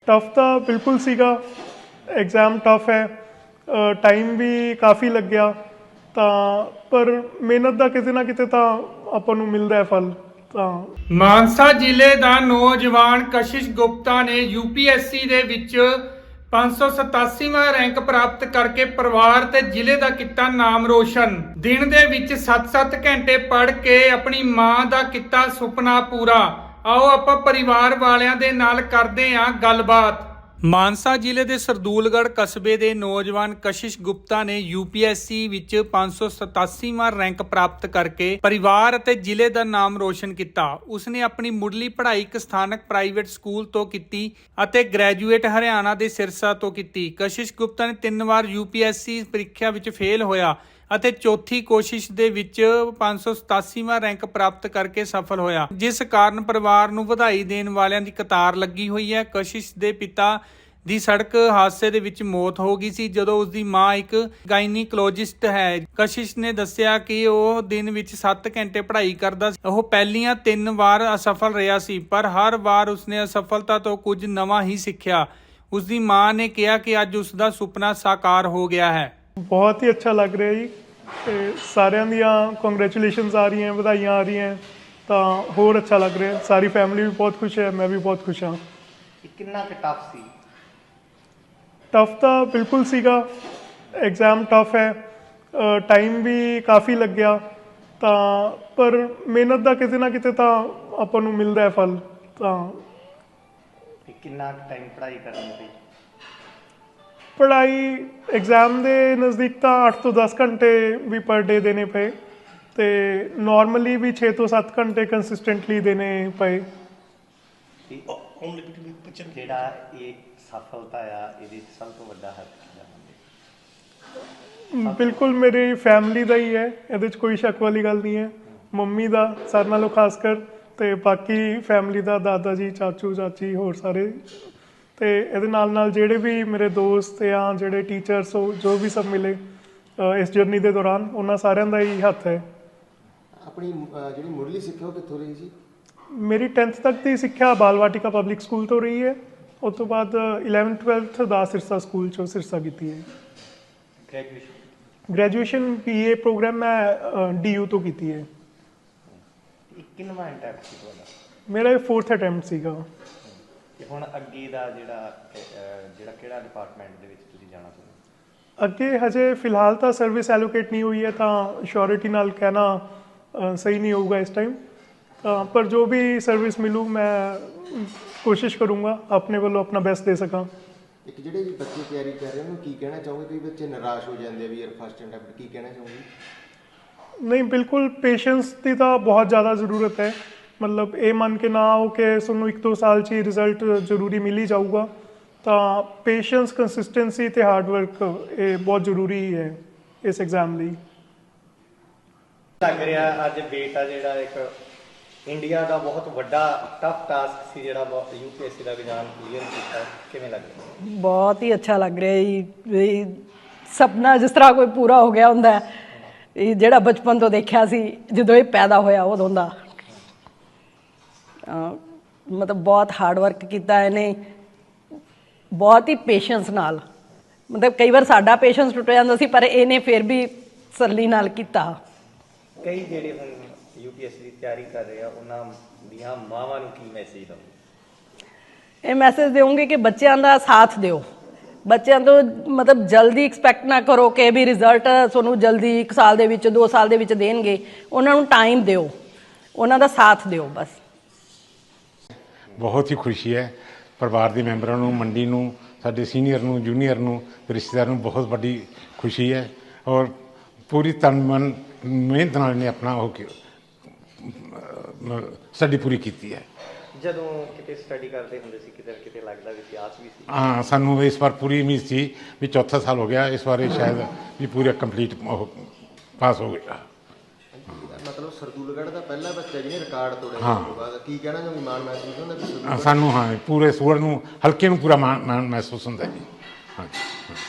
Tough ਤਾਂ ਬਿਲਕੁਲ ਸੀਗਾ। ਐਗਜ਼ਾਮ ਟਫ ਹੈ, ਟਾਈਮ ਵੀ ਕਾਫੀ ਲੱਗਿਆ ਤਾਂ ਪਰ ਮਿਹਨਤ ਦਾ ਕਿਤੇ ਨਾ ਕਿਤੇ ਤਾਂ ਆਪਾਂ ਨੂੰ ਮਿਲਦਾ ਹੈ ਫਲ। ਤਾਂ ਮਾਨਸਾ ਜ਼ਿਲ੍ਹੇ ਦਾ ਨੌਜਵਾਨ ਕਸ਼ਿਸ਼ ਗੁਪਤਾ ਨੇ ਯੂਪੀਐਸਸੀ ਦੇ ਵਿੱਚ 587ਵਾਂ ਰੈਂਕ ਪ੍ਰਾਪਤ ਕਰਕੇ ਪਰਿਵਾਰ ਤੇ ਜ਼ਿਲ੍ਹੇ ਦਾ ਕੀਤਾ ਨਾਮ ਰੋਸ਼ਨ। ਦਿਨ ਦੇ ਵਿੱਚ 7-7 ਘੰਟੇ ਪੜ੍ਹ ਕੇ ਆਪਣੀ ਮਾਂ ਦਾ ਕੀਤਾ ਸੁਪਨਾ ਪੂਰਾ। ਆਓ ਆਪਾਂ ਪਰਿਵਾਰ ਵਾਲਿਆਂ ਦੇ ਨਾਲ ਕਰਦੇ ਹਾਂ ਗੱਲਬਾਤ। ਮਾਨਸਾ ਜ਼ਿਲ੍ਹੇ ਦੇ ਸਰਦੂਲਗੜ੍ਹ ਕਸਬੇ ਦੇ ਨੌਜਵਾਨ ਕਸ਼ਿਸ਼ ਗੁਪਤਾ ਨੇ ਯੂਪੀਐਸਸੀ ਵਿੱਚ 587ਵਾਂ ਰੈਂਕ ਪ੍ਰਾਪਤ ਕਰਕੇ ਪਰਿਵਾਰ ਅਤੇ ਜ਼ਿਲ੍ਹੇ ਦਾ ਨਾਮ ਰੋਸ਼ਨ ਕੀਤਾ। ਉਸਨੇ ਆਪਣੀ ਮੁੱਢਲੀ ਪੜ੍ਹਾਈ ਇੱਕ ਸਥਾਨਕ ਪ੍ਰਾਈਵੇਟ ਸਕੂਲ ਤੋਂ ਕੀਤੀ ਅਤੇ ਗ੍ਰੈਜੂਏਟ ਹਰਿਆਣਾ ਦੇ ਸਿਰਸਾ ਤੋਂ ਕੀਤੀ। ਕਸ਼ਿਸ਼ ਗੁਪਤਾ ਨੇ 3 ਵਾਰ ਯੂਪੀਐਸਸੀ ਪ੍ਰੀਖਿਆ ਵਿੱਚ ਫੇਲ ਹੋਇਆ ਅਤੇ ਚੌਥੀ ਕੋਸ਼ਿਸ਼ ਦੇ ਵਿੱਚ 587ਵਾਂ ਰੈਂਕ ਪ੍ਰਾਪਤ ਕਰਕੇ ਸਫਲ ਹੋਇਆ, ਜਿਸ ਕਾਰਨ ਪਰਿਵਾਰ ਨੂੰ ਵਧਾਈ ਦੇਣ ਵਾਲਿਆਂ ਦੀ ਕਤਾਰ ਲੱਗੀ ਹੋਈ ਹੈ। ਕਸ਼ਿਸ਼ ਦੇ ਪਿਤਾ ਦੀ ਸੜਕ ਹਾਦਸੇ ਦੇ ਵਿੱਚ ਮੌਤ ਹੋ ਗਈ ਸੀ ਜਦੋਂ ਉਸ ਦੀ ਮਾਂ ਇੱਕ ਗਾਇਨੀਕੋਲੋਜਿਸਟ ਹੈ। ਕਸ਼ਿਸ਼ ਨੇ ਦੱਸਿਆ ਕਿ ਉਹ ਦਿਨ ਵਿੱਚ 7 ਘੰਟੇ ਪੜ੍ਹਾਈ ਕਰਦਾ ਸੀ। ਉਹ ਪਹਿਲੀਆਂ 3 ਵਾਰ ਅਸਫਲ ਰਿਹਾ ਸੀ, ਪਰ ਹਰ ਵਾਰ ਉਸਨੇ ਅਸਫਲਤਾ ਤੋਂ ਕੁਝ ਨਵਾਂ ਹੀ ਸਿੱਖਿਆ। ਉਸ ਦੀ ਮਾਂ ਨੇ ਕਿਹਾ ਕਿ ਅੱਜ ਉਸ ਦਾ ਸੁਪਨਾ ਸਾਕਾਰ ਹੋ ਗਿਆ ਹੈ। ਬਹੁਤ ਹੀ ਅੱਛਾ ਲੱਗ ਰਿਹਾ ਜੀ ਤੇ ਸਾਰਿਆਂ ਦੀਆਂ ਕੰਗ੍ਰੈਚੁਲੇਸ਼ਨਸ ਆ ਰਹੀਆਂ, ਵਧਾਈਆਂ ਆ ਰਹੀਆਂ ਤਾਂ ਹੋਰ ਅੱਛਾ ਲੱਗ ਰਿਹਾ। ਸਾਰੀ ਫੈਮਿਲੀ ਵੀ ਬਹੁਤ ਖੁਸ਼ ਹੈ, ਮੈਂ ਵੀ ਬਹੁਤ ਖੁਸ਼ ਹਾਂ। ਕਿੰਨਾ ਕੁ ਟਫ ਸੀ? ਟਫ ਤਾਂ ਬਿਲਕੁਲ ਸੀਗਾ। ਐਗਜ਼ਾਮ ਟਫ ਹੈ, ਟਾਈਮ ਵੀ ਕਾਫੀ ਲੱਗਿਆ ਤਾਂ ਪਰ ਮਿਹਨਤ ਦਾ ਕਿਤੇ ਨਾ ਕਿਤੇ ਤਾਂ ਆਪਾਂ ਨੂੰ ਮਿਲਦਾ ਹੈ ਫਲ। ਤਾਂ ਕਿੰਨਾ ਟਾਈਮ ਪੜ੍ਹਾਈ ਕਰਨ ਦੀ? ਪੜ੍ਹਾਈ ਐਗਜ਼ਾਮ ਦੇ ਨਜ਼ਦੀਕ ਤਾਂ 8 ਤੋਂ 10 ਘੰਟੇ ਵੀ ਪਰ ਡੇ ਦੇਣੇ ਪਏ ਤੇ ਨਾਰਮਲੀ ਵੀ 6 ਤੋਂ 7 ਘੰਟੇ ਕੰਸਿਸਟੈਂਟਲੀ ਦੇਣੇ ਪਏ। ਜਿਹੜਾ ਇਹ ਸਫਲਤਾ ਆ, ਇਹਦੇ ਸਭ ਤੋਂ ਵੱਡਾ ਹੱਥ ਬਿਲਕੁਲ ਮੇਰੀ ਫੈਮਿਲੀ ਦਾ ਹੀ ਹੈ, ਇਹਦੇ 'ਚ ਕੋਈ ਸ਼ੱਕ ਵਾਲੀ ਗੱਲ ਨਹੀਂ ਹੈ। ਮੰਮੀ ਦਾ ਸਾਰਿਆਂ ਨਾਲੋਂ ਖਾਸ ਕਰ ਤੇ ਬਾਕੀ ਫੈਮਿਲੀ ਦਾ, ਦਾਦਾ ਜੀ, ਚਾਚੂ ਚਾਚੀ, ਹੋਰ ਸਾਰੇ ਤੇ ਇਹਦੇ ਨਾਲ ਜਿਹੜੇ ਵੀ ਮੇਰੇ ਦੋਸਤ ਜਾਂ ਜਿਹੜੇ ਟੀਚਰਸ ਜੋ ਵੀ ਸਭ ਮਿਲੇ ਇਸ ਜਰਨੀ ਦੇ ਦੌਰਾਨ, ਉਹਨਾਂ ਸਾਰਿਆਂ ਦਾ ਹੀ ਹੱਥ ਹੈ। ਆਪਣੀ ਜਿਹੜੀ ਮੁੱਢਲੀ ਸਿੱਖਿਆ ਉਹ ਕਿੱਥੋਂ ਰਹੀ ਸੀ? ਮੇਰੀ 10th ਤੱਕ ਦੀ ਸਿੱਖਿਆ ਬਾਲ ਵਾਟਿਕਾ ਪਬਲਿਕ ਸਕੂਲ ਤੋਂ ਰਹੀ ਹੈ। ਉਸ ਤੋਂ ਬਾਅਦ 11th 12th ਦਾ ਸਿਰਸਾ ਸਕੂਲ 'ਚੋਂ ਸਿਰਸਾ ਕੀਤੀ ਹੈ। ਗ੍ਰੈਜੂਏਸ਼ਨ BA ਪ੍ਰੋਗਰਾਮ ਮੈਂ DU ਤੋਂ ਕੀਤੀ ਹੈ। ਕਿੰਨਵਾਂ ਅਟੈਂਪਟ ਸੀ ਤੁਹਾਡਾ? ਮੇਰਾ ਇਹ 4th ਅਟੈਂਪਟ ਸੀਗਾ। ਤੇ ਹੁਣ ਅੱਗੇ ਦਾ ਜਿਹੜਾ ਕਿਹੜਾ ਡਿਪਾਰਟਮੈਂਟ ਦੇ ਵਿੱਚ ਤੁਸੀਂ ਜਾਣਾ ਚਾਹੁੰਦੇ? ਅੱਗੇ ਹਜੇ ਫਿਲਹਾਲ ਤਾਂ ਸਰਵਿਸ ਐਲੋਕੇਟ ਨਹੀਂ ਹੋਈ ਹੈ ਤਾਂ ਸ਼ੋਰਿਟੀ ਨਾਲ ਕਹਿਣਾ ਸਹੀ ਨਹੀਂ ਹੋਊਗਾ ਇਸ ਟਾਈਮ। ਪਰ ਜੋ ਵੀ ਸਰਵਿਸ ਮਿਲੂ ਮੈਂ ਕੋਸ਼ਿਸ਼ ਕਰੂੰਗਾ ਆਪਣੇ ਵੱਲੋਂ ਆਪਣਾ ਬੈਸਟ ਦੇ ਸਕਾਂ। ਇੱਕ ਜਿਹੜੇ ਵੀ ਬੱਚੇ ਤਿਆਰੀ ਕਰ ਰਹੇ ਉਹਨੂੰ ਕੀ ਕਹਿਣਾ ਚਾਹੋਗੇ? ਕਈ ਬੱਚੇ ਨਿਰਾਸ਼ ਹੋ ਜਾਂਦੇ ਆ ਵੀ ਯਾਰ ਫਸਟ ਅਟੈਂਪਟ, ਕੀ ਕਹਿਣਾ ਚਾਹੋਗੇ? ਨਹੀਂ, ਬਿਲਕੁਲ ਪੇਸ਼ੈਂਸ ਦੀ ਤਾਂ ਬਹੁਤ ਜ਼ਿਆਦਾ ਜ਼ਰੂਰਤ ਹੈ। ਮਤਲਬ ਇਹ ਮੰਨ ਕੇ ਨਾ ਆਓ ਕਿ ਤੁਹਾਨੂੰ 1-2 ਸਾਲ 'ਚ ਹੀ ਰਿਜ਼ਲਟ ਜ਼ਰੂਰੀ ਮਿਲ ਹੀ ਜਾਊਗਾ। ਤਾਂ ਪੇਸ਼ੈਂਸ, ਕੰਸਿਸਟੈਂਸੀ ਅਤੇ ਹਾਰਡ ਵਰਕ ਇਹ ਬਹੁਤ ਜ਼ਰੂਰੀ ਹੈ ਇਸ ਐਗਜ਼ਾਮ ਲਈ। ਲੱਗ ਰਿਹਾ ਅੱਜ ਬੇਟਾ ਜਿਹੜਾ ਇੱਕ ਇੰਡੀਆ ਦਾ ਬਹੁਤ ਵੱਡਾ ਟਫ ਟਾਸਕ ਸੀ ਜਿਹੜਾ UPSC ਦਾ ਐਗਜ਼ਾਮ ਕਲੀਅਰ ਕੀਤਾ, ਕਿਵੇਂ ਲੱਗ ਰਿਹਾ? ਬਹੁਤ ਹੀ ਅੱਛਾ ਲੱਗ ਰਿਹਾ ਜੀ। ਵੀ ਸੁਪਨਾ ਜਿਸ ਤਰ੍ਹਾਂ ਕੋਈ ਪੂਰਾ ਹੋ ਗਿਆ ਹੁੰਦਾ ਹੈ, ਇਹ ਜਿਹੜਾ ਬਚਪਨ ਤੋਂ ਦੇਖਿਆ ਸੀ ਜਦੋਂ ਇਹ ਪੈਦਾ ਹੋਇਆ ਉਦੋਂ ਦਾ। ਮਤਲਬ ਬਹੁਤ ਹਾਰਡ ਵਰਕ ਕੀਤਾ ਇਹਨੇ, ਬਹੁਤ ਹੀ ਪੇਸ਼ੈਂਸ ਨਾਲ। ਮਤਲਬ ਕਈ ਵਾਰ ਸਾਡਾ ਪੇਸ਼ੈਂਸ ਟੁੱਟ ਜਾਂਦਾ ਸੀ, ਪਰ ਇਹਨੇ ਫਿਰ ਵੀ ਸਰਲੀ ਨਾਲ ਕੀਤਾ। ਕਈ ਜਿਹੜੇ ਹੁਣ UPSC ਦੀ ਤਿਆਰੀ ਕਰ ਰਹੇ ਆ ਉਹਨਾਂ ਦੀਆਂ ਮਾਵਾਂ ਨੂੰ ਕੀ ਮੈਸੇਜ ਦਓ? ਇਹ ਮੈਸੇਜ ਦੇਵਾਂਗੇ ਕਿ ਬੱਚਿਆਂ ਦਾ ਸਾਥ ਦਿਓ। ਬੱਚਿਆਂ ਤੋਂ ਮਤਲਬ ਜਲਦੀ ਐਕਸਪੈਕਟ ਨਾ ਕਰੋ ਕਿ ਵੀ ਰਿਜ਼ਲਟ ਤੁਹਾਨੂੰ ਜਲਦੀ 1 ਸਾਲ ਦੇ ਵਿੱਚ, 2 ਸਾਲ ਦੇ ਵਿੱਚ ਦੇਣਗੇ। ਉਹਨਾਂ ਨੂੰ ਟਾਈਮ ਦਿਓ, ਉਹਨਾਂ ਦਾ ਸਾਥ ਦਿਓ ਬਸ। ਬਹੁਤ ਹੀ ਖੁਸ਼ੀ ਹੈ ਪਰਿਵਾਰ ਦੇ ਮੈਂਬਰਾਂ ਨੂੰ, ਮੰਡੀ ਨੂੰ, ਸਾਡੇ ਸੀਨੀਅਰ ਨੂੰ, ਜੂਨੀਅਰ ਨੂੰ, ਰਿਸ਼ਤੇਦਾਰਾਂ ਨੂੰ ਬਹੁਤ ਵੱਡੀ ਖੁਸ਼ੀ ਹੈ ਔਰ ਪੂਰੀ ਤਨ ਮਨ ਮਿਹਨਤ ਨਾਲ ਇਹਨੇ ਆਪਣਾ ਸਟੱਡੀ ਪੂਰੀ ਕੀਤੀ ਹੈ। ਜਦੋਂ ਕਿਤੇ ਸਟੱਡੀ ਕਰਦੇ ਹੁੰਦੇ ਸੀ ਕਿਤੇ ਕਿਤੇ ਲੱਗਦਾ ਵੀ ਆਸ ਵੀ ਸੀ? ਹਾਂ, ਸਾਨੂੰ ਇਸ ਵਾਰ ਪੂਰੀ ਉਮੀਦ ਸੀ ਵੀ 4ਥਾ ਸਾਲ ਹੋ ਗਿਆ, ਇਸ ਵਾਰ ਸ਼ਾਇਦ ਵੀ ਪੂਰਾ ਕੰਪਲੀਟ ਪਾਸ ਹੋ ਗਿਆ। ਮਤਲਬ ਸਰਦੂਲਗੜ੍ਹ ਦਾ ਪਹਿਲਾ ਬੱਚਾ ਜਿਹਨੇ ਰਿਕਾਰਡ ਤੋੜਿਆ ਉਸ ਤੋਂ ਬਾਅਦ ਕੀ ਕਹਿਣਾ ਚਾਹੋਗੇ? ਮਾਣ ਮਹਿਸੂਸ ਹੁੰਦਾ ਵੀ ਸਾਨੂੰ? ਹਾਂ, ਪੂਰੇ ਸੂਰ ਨੂੰ, ਹਲਕੇ ਨੂੰ ਪੂਰਾ ਮਾਣ ਮਹਿਸੂਸ ਹੁੰਦਾ ਜੀ। ਹਾਂਜੀ।